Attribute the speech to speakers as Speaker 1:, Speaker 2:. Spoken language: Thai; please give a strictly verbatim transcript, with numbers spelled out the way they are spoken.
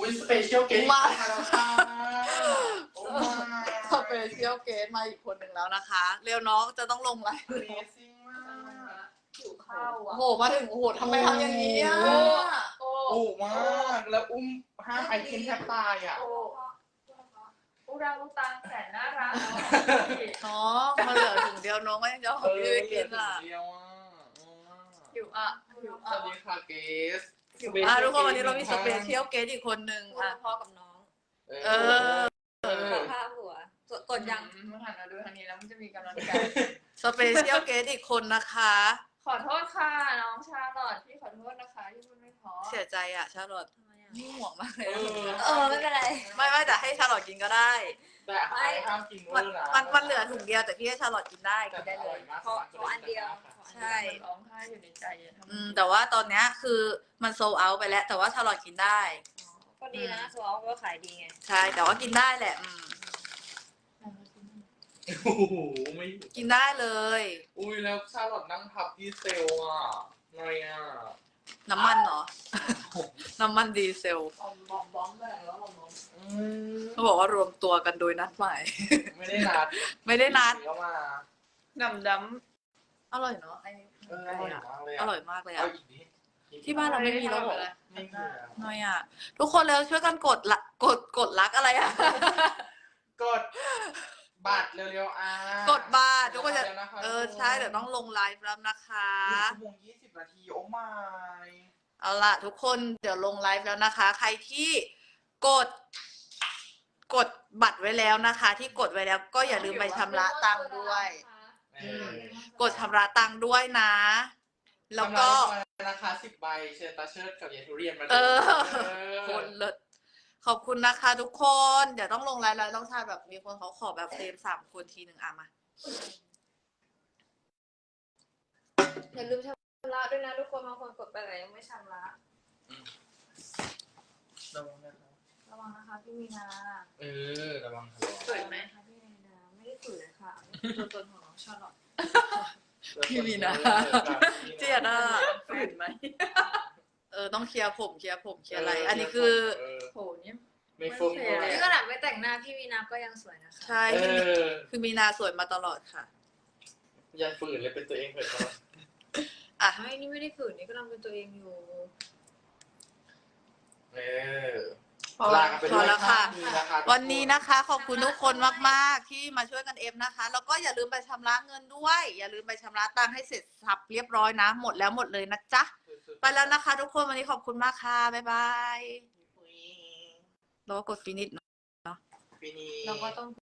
Speaker 1: ยสเปเชียลเกสมาแล้วค่ะ
Speaker 2: สเปเชียลเกสมาอีกคนหนึ่งแล้วนะคะ เร็วน้องจะต้องลงไลฟ์
Speaker 3: หิวข้าวอ่ะ
Speaker 2: โอ้โหมาถึงโอ้โหทำไมทำอย่างนี้อ่ะ
Speaker 3: โอ้
Speaker 1: โอ้มากแล้วอุ้มห้ามไอเทมแทบตายอ่ะ
Speaker 3: โอ้อุรังอุตังแสนน่ารัก
Speaker 2: น้องมาเหลือถุงเดียวน้องก็ยังจะของพี่ไปกินอ่ะ
Speaker 1: เดียวอ่ะ
Speaker 3: หิวอ่ะหิว
Speaker 1: ส
Speaker 3: อ่ะ
Speaker 1: วัสดีค่ะเกส
Speaker 2: อ่ะทุกคนวันนี้เรามีสเปเชียลเกสอีกคนหนึ่ง
Speaker 3: อ่ะ
Speaker 2: อ่ะ
Speaker 3: พ่อกับน้อง
Speaker 2: เออ
Speaker 3: ขอภาพหัวกดยังเมื่อหันมาดูทางนี้แล้วมันจะมีกำลังใจ
Speaker 2: สเปเชียลเกสอีกคนนะคะ
Speaker 3: ขอโทษค่ะน้องชาลอตพี่ขอโทษนะคะที่พูดไม่พอ
Speaker 2: เสียใจอ่ะชาลอตนี่ห่วงมากเลย
Speaker 1: เออ
Speaker 3: เออไม่เป็นไร
Speaker 2: ไม่ไม่แต่ให้ชาลอตกินก็ได้
Speaker 1: แต่ไอห้ามกินเว
Speaker 2: มั
Speaker 1: อน ร์นะ
Speaker 2: มันมันเหลือถุงเดียวแต่พี่ให้ชาลอตกินได้กินได้เลย
Speaker 3: ขอขออันเดียว
Speaker 2: ใช่
Speaker 3: ร้องไห้อยู่ในใจอะทำไม
Speaker 2: อืมแต่ว่าตอนเนี้ยคือมันโซเอาไปแล้ว แต่ว่าชาลอตกินได้
Speaker 3: ก็ดีนะโซอลก็ขายดีไง
Speaker 2: ใช่แต่ว่ากินได้แหละอืม
Speaker 1: โอ้โหไม่
Speaker 2: กินได้เลย
Speaker 1: อุ้ยแล้วชาลอตนั่งพับที่เซลอ่ะไงอ่ะ
Speaker 2: น้ำมันเหรอ น้ำมันดีเซล
Speaker 3: บอมบอมบอมเลยแล้วบอมบอม
Speaker 1: อืม
Speaker 2: เขาบอกว่ารวมตัวกันโดยนัดหมาย
Speaker 1: ไม่ได้นัด
Speaker 2: ไม่ได้นัด
Speaker 1: ก็มา
Speaker 3: ดำด
Speaker 2: อร่อยเนาะไอ้
Speaker 1: เอออร่อยมากเลย
Speaker 2: อร่อยมากเลย
Speaker 1: เอา
Speaker 2: อ่ะ
Speaker 1: อีกนิด
Speaker 2: ที่บ้านเราไม่มีแล้วเหรอ
Speaker 1: ไม่มีแล้ว
Speaker 2: น้อยอ่ะ ทุกคนแล้วช่วยกันกดละกดกดลักอะไรอ่ะ
Speaker 1: กดบัตรเร็วๆอ่ะ
Speaker 2: กดบัตรทุกคนจะ
Speaker 1: ดี๋ยวนะคะ
Speaker 2: เออใช่เดี๋ยวต้องลงไลฟ์แล้วนะคะ
Speaker 1: หนึ่งชั่วโมงยี่สิบนาทีโอ้ไม่
Speaker 2: เอาล่ะทุกคนเดี๋ยวลงไลฟ์แล้วนะคะ ใครที่กด กดบัตรไว้แล้วนะคะ ที่กดไว้แล้วก็อย่าลืมไปชำระตังค์ด้วย
Speaker 1: เออก
Speaker 2: ดชำระตังค์ด้วยนะ แล้วก็
Speaker 1: ทำร้านราคาสิบใบเชิญตาเชิดกับเยายทุเรียนมาดู
Speaker 2: เออ
Speaker 1: เออ
Speaker 2: คนเลิศขอบคุณนะคะ ทุกคน เดี๋ยวต้องลงไลฟ์แล้วต้องชาแบบมีคนเขาขอแบบเฟรมสามคนทีหนึ่งอ่ะมา
Speaker 3: อย่าลืมชำระด้วยนะทุกคนบางคนกดไปแต่ยังไม่ชำระ
Speaker 1: ระวังนะครับ
Speaker 3: ระวังนะคะพี่มีนา
Speaker 1: เออระวังครับ
Speaker 3: สวยไหมคะพี่มีนาไม่ได้สวยเลยค่ะตัวตนของน้องชาลอต
Speaker 2: พี่มีนา เจียดอ่ะ
Speaker 3: ฝืนไหม
Speaker 2: เออต้องเคลียร์ผมเคลียร์ผมเคลียร์อะไร อันนี้คือ
Speaker 1: เออ
Speaker 3: โหนี่
Speaker 1: ไม่ฟุ้งเลย
Speaker 3: นี่ขนาดไม่แต่งหน้าพี่มีนาก็ยังสวยนะคะ
Speaker 2: ใช่
Speaker 1: เออ
Speaker 2: คือมีนาสวยมาตลอดค่ะ
Speaker 1: อย่าฝืนเลยเป็นตัวเองเถอะครับ
Speaker 2: อ่ะ
Speaker 3: ไม่นี่ไม่ได้ฝืนนี่กำลังเป็นตัวเองอยู่
Speaker 1: เออ
Speaker 2: พอ
Speaker 1: ลากันไป
Speaker 2: พ
Speaker 1: ด้
Speaker 2: อ
Speaker 1: วย
Speaker 2: แล้วค่ะ
Speaker 1: ภาพนี้นะคะ
Speaker 2: วันนี้นะคะ ขอบคุณทุกคนมากๆที่มาช่วยกันเอฟนะคะ แล้วก็อย่าลืมไปชำระเงินด้วย อย่าลืมไปชำระตังค์ให้เสร็จสับเรียบร้อยนะ หมดแล้วหมดเลยนะจ๊ะ ไปแล้วนะคะ ทุกคนวันนี้ขอบคุณมากค่ะ บ๊ายบายแล้วก็กดฟินิช
Speaker 1: ปีนี้
Speaker 3: เราก็ต้อง